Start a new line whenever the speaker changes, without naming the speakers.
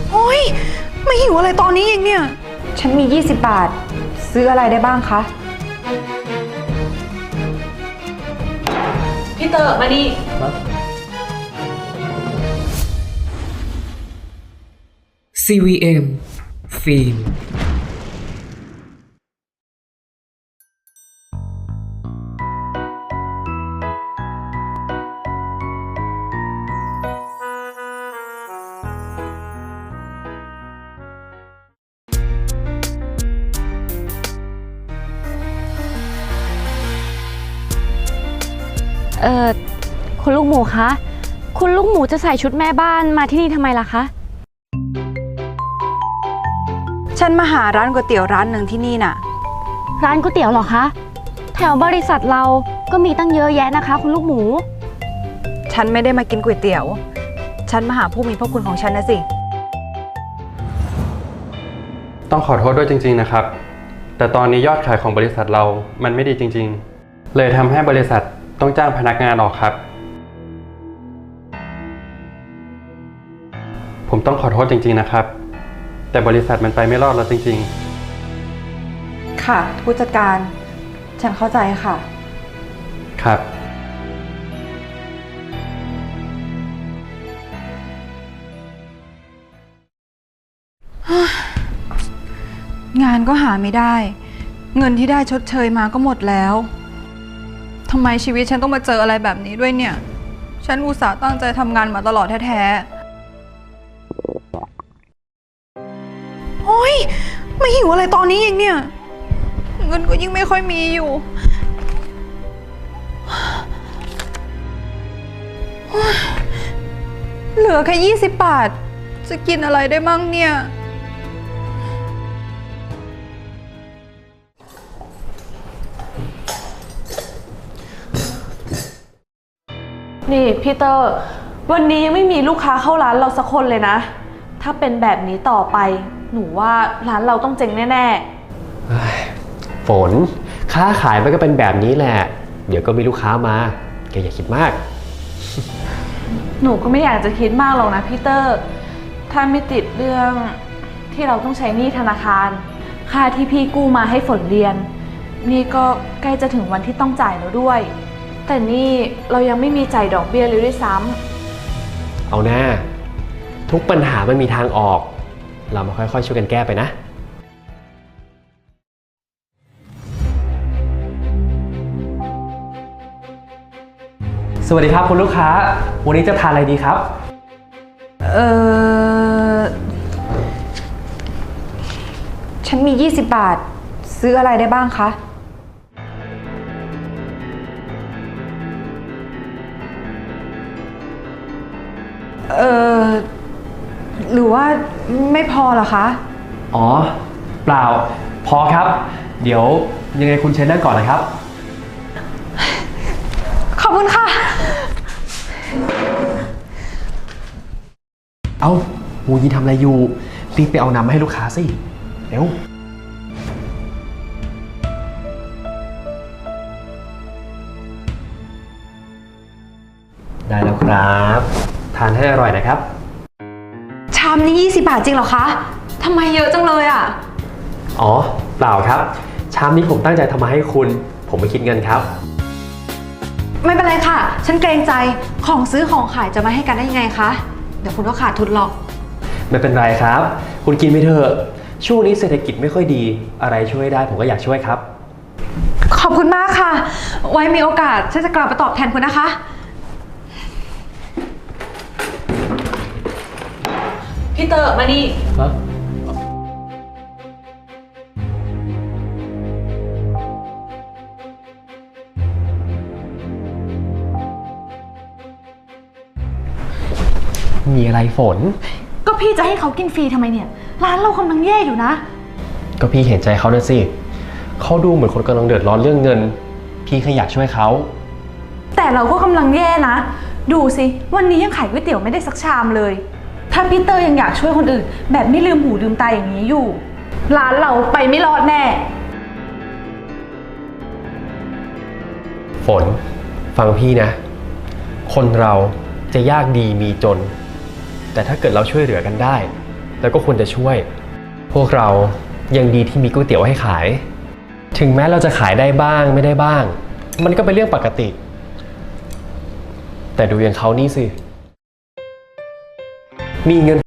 โอ้ยไม่หิวอะไรตอนนี้เองเนี่ยฉันมี20 บาทซื้ออะไรได้บ้างคะ
พี่เตอร์มานี่
CVM ฟิล์ม
คุณลูกหมูคะคุณลูกหมูจะใส่ชุดแม่บ้านมาที่นี่ทำไมล่ะคะ
ฉันมาหาร้านก๋วยเตี๋ยวร้านหนึ่งที่นี่น่ะ
ร้านก๋วยเตี๋ยวเหรอคะแถวบริษัทเราก็มีตั้งเยอะแยะนะคะคุณลูกหมู
ฉันไม่ได้มากินก๋วยเตี๋ยวฉันมาหาผู้มีพระคุณของฉันนะสิ
ต้องขอโทษด้วยจริงๆนะครับแต่ตอนนี้ยอดขายของบริษัทเรามันไม่ดีจริงๆเลยทำให้บริษัทต้องจ้างพนักงานออกครับผมต้องขอโทษจริงๆนะครับแต่บริษัทมันไปไม่รอดแล้วจริง
ๆค่ะผู้จัดการฉันเข้าใจค่ะ
ครับ
งานก็หาไม่ได้เงินที่ได้ชดเชยมาก็หมดแล้วทำไมชีวิตฉันต้องมาเจออะไรแบบนี้ด้วยเนี่ยฉันอุตส่าห์ตั้งใจทำงานมาตลอดแท้ๆโอ๊ยไม่หิวอะไรตอนนี้เองเนี่ยเงินก็ยิ่งไม่ค่อยมีอยู่เหลือแค่20 บาทจะกินอะไรได้มั่งเนี่ย
นี่พี่เตอร์วันนี้ยังไม่มีลูกค้าเข้าร้านเราสักคนเลยนะถ้าเป็นแบบนี้ต่อไปหนูว่าร้านเราต้องเจ๊งแน่
ๆฝนค้าขายมันก็เป็นแบบนี้แหละเดี๋ยวก็มีลูกค้ามาแกอย่าคิดมาก
หนูก็ไม่อยากจะคิดมากหรอกนะพี่เตอร์ถ้าไม่ติดเรื่องที่เราต้องใช้หนี้ธนาคารค่าที่พี่กู้มาให้ฝนเรียนนี่ก็ใกล้จะถึงวันที่ต้องจ่ายแล้วด้วยแต่นี่เรายังไม่มีจ่ายดอกเบี้ยเลยด้วยซ้
ำเอาหน้าทุกปัญหามันมีทางออกเรามาค่อยๆช่วยกันแก้ไปนะสวัสดีครับคุณลูกค้าวันนี้จะทานอะไรดีครับ
ฉันมี20 บาทซื้ออะไรได้บ้างคะหรือว่าไม่พอเหรอคะ
อ๋อเปล่าพอครับเดี๋ยวยังไงคุณเชิญนั่งก่อนนะครับ
ขอบคุณค่ะ
เอาหูยีทำอะไรอยู่รีบไปเอาน้ำมาให้ลูกค้าสิเร็วได้แล้วครับทานให้อร่อยนะครับ
ชามนี้20 บาทจริงเหรอคะทำไมเยอะจังเลยอ่ะ
อ๋อเปล่าครับชามนี้ผมตั้งใจทำมาให้คุณผมไม่คิดเงินครับ
ไม่เป็นไรค่ะฉันเกรงใจของซื้อของขายจะมาให้กันได้ยังไงคะเดี๋ยวคุณก็ขาดทุนหรอก
ไม่เป็นไรครับคุณกินไปเถอะช่วงนี้เศรษฐกิจไม่ค่อยดีอะไรช่วยได้ผมก็อยากช่วยครับ
ขอบคุณมากค่ะไว้มีโอกาสฉันจะกลับมาตอบแทนคุณนะคะ
พี่เตอร์มานี่
มีอะไรฝน
ก็พี่จะให้เขากินฟรีทำไมเนี่ยร้านเรากำลังแย่อยู่นะ
ก็พี่เห็นใจเขาด้วยสิเขาดูเหมือนคนกำลังเดือดร้อนเรื่องเงินพี่แค่อยากช่วยเขา
แต่เราก็กำลังแย่นะดูสิวันนี้ยังขายก๋วยเตี๋ยวไม่ได้สักชามเลยถ้าพี่เตอร์ยังอยากช่วยคนอื่นแบบไม่ลืมหูลืมตาอย่างนี้อยู่ร้านเราไปไม่รอดแน่
ฝนฟังพี่นะคนเราจะยากดีมีจนแต่ถ้าเกิดเราช่วยเหลือกันได้แล้วก็ควรจะช่วย พวกเรายังดีที่มีก๋วยเตี๋ยวให้ขาย ถึงแม้เราจะขายได้บ้างไม่ได้บ้าง มันก็เป็นเรื่องปกติ แต่ดูอย่างเขานี่สิ มีเงิน